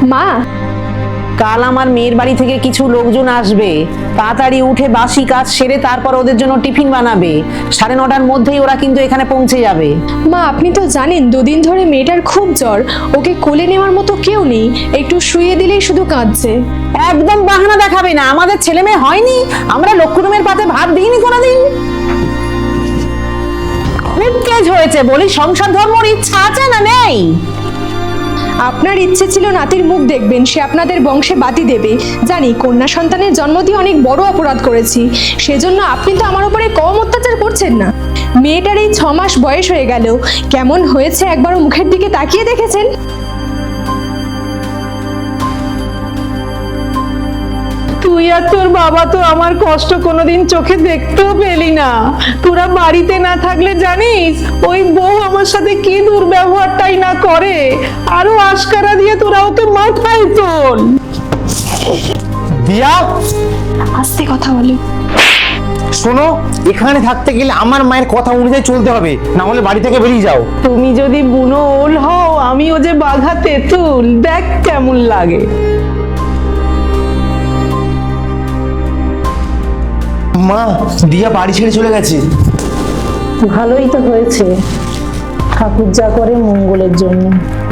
মা, কাল আমার মেয়ের বাড়ি থেকে কিছু লোকজন আসবে, তাড়াতাড়ি উঠে বাসি কাজ সেরে তারপর ওদের জন্য টিফিন বানাবে। 9:30টার মধ্যেই ওরা কিন্তু এখানে পৌঁছে যাবে। মা আপনি তো জানেন 2 দিন ধরে মেয়েটার খুব জ্বর, ওকে কোলে নেওয়ার মতো কেউ নেই, একটু শুইয়ে দিলেই শুধু কাঁদছে। একদম বাহানা দেখাবে না, আমাদের ছেলে মেয়ে হয়নি? আমরা লক্ষ্মীমের পাতে ভাত দিইনি কোনোদিন। খুব কেজ হয়েছে বলি, সংসার ধর্মর ইচ্ছা আছে না নেই? আপনার ইচ্ছে ছিল নাতির মুখ দেখবেন, সে আপনাদের বংশে বাতি দেবে। জানি কন্যা সন্তানের জন্ম দিয়ে অনেক বড় অপরাধ করেছি, সেজন্য আপনি তো আমার উপরে কম অত্যাচার করছেন না। মেয়েটার এই 6 মাস বয়স হয়ে গেল, কেমন হয়েছে একবারও মুখের দিকে তাকিয়ে দেখেছেন? তুই আর তোর বাবা তো আমার কষ্ট কোনোদিন চোখে দেখতেও পেলি না। তোরা বাড়িতে না থাকলে জানিস ওই বউ আমার সাথে কি দুর্ব্যবহারটাই না করে, আরো আশকারা দিয়ে তোরা ওকে মাথায় তোল। দিয়া, আস্তে কথা বলো। শোনো, এখানে থাকতে গেলে আমার মায়ের কথা অনুযায়ী চলতে হবে, না হলে বাড়ি থেকে বেরিয়ে যাও। তুমি যদি বুনো ওল হও, আমিও যে বাঘা তেঁতুল, দেখ কেমন লাগে। মা, দিয়া বাড়ি ছেড়ে চলে গেছে। ভালোই তো হয়েছে, ঠাকুর যা করে মঙ্গলের জন্য।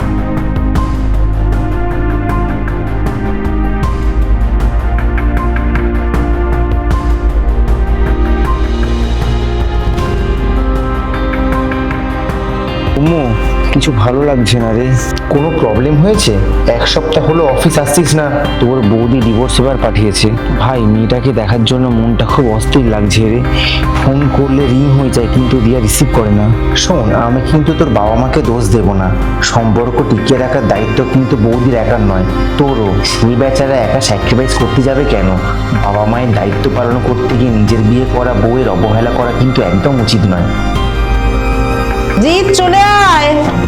কিছু ভালো লাগছে না রে। কোনো প্রবলেম হয়েছে? 1 সপ্তাহ হলো অফিস আসছিস না। তোর বৌদি ডিভোর্স পেপার পাঠিয়েছে। ভাই, মেয়েটাকে দেখার জন্য মনটা খুব অস্থির লাগছে রে। ফোন করলে রিং হয়ে যায় কিন্তু দিয়া রিসিভ করে না। শোন, আমি কিন্তু তোর বাবা মাকে দোষ দেব না, সম্পর্ক টিকিয়ে রাখার দায়িত্ব কিন্তু বৌদির একার নয়, তোরও। সেই বেচারা একা স্যাক্রিফাইস করতে যাবে কেন? বাবা মায়ের দায়িত্ব পালন করতে গিয়ে নিজের বিয়ে করা বউয়ের অবহেলা করা কিন্তু একদম উচিত নয়। জিৎ, চলে আয়।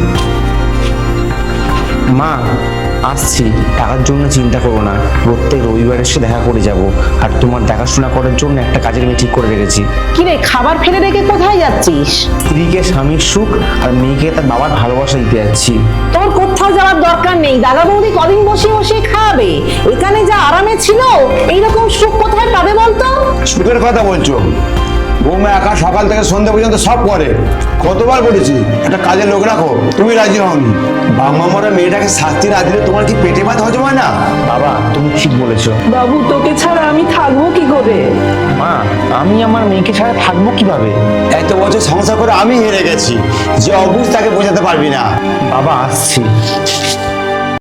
মা, আসছি। টাকার জন্য চিন্তা করো না, প্রত্যেক রবিবার এসে দেখা করে যাব। আর তোমার দেখাশোনা করার জন্য একটা কাজের মেয়ে ঠিক করে রেখেছি। কি রে, খাবার ফেলে রেখে কোথায় যাচ্ছিস? স্ত্রীকে স্বামীর সুখ আর মেয়েকে তার বাবার ভালোবাসা দিতে যাচ্ছি। তোর কোথাও যাওয়ার দরকার নেই, দাদা বৌদি কদিন বসে বসে খাবে। এখানে যা আরামে ছিল, এইরকম সুখ কোথায় পাবে বলতো? সুখের কথা বলছো? বৌমা একা সকাল থেকে সন্ধ্যা পর্যন্ত সব করে। কতবার বলেছি একটা কাজের লোক রাখো, তুমি রাজি হওনি। বাবা মারা মেয়েটাকে শাস্তি না দিলে তোমার কি পেটে ভাত হজম হয় না? বাবা, তুমি ঠিক বলেছো। বাবু, তোকে ছাড়া আমি থাকবো কি করে? মা, আমি আমার মেয়েকে ছাড়া থাকবো কিভাবে? এত বছর সংসার করে আমি হেরে গেছি, যে অবুঝ তাকে বোঝাতে পারবি না। বাবা, আসছি।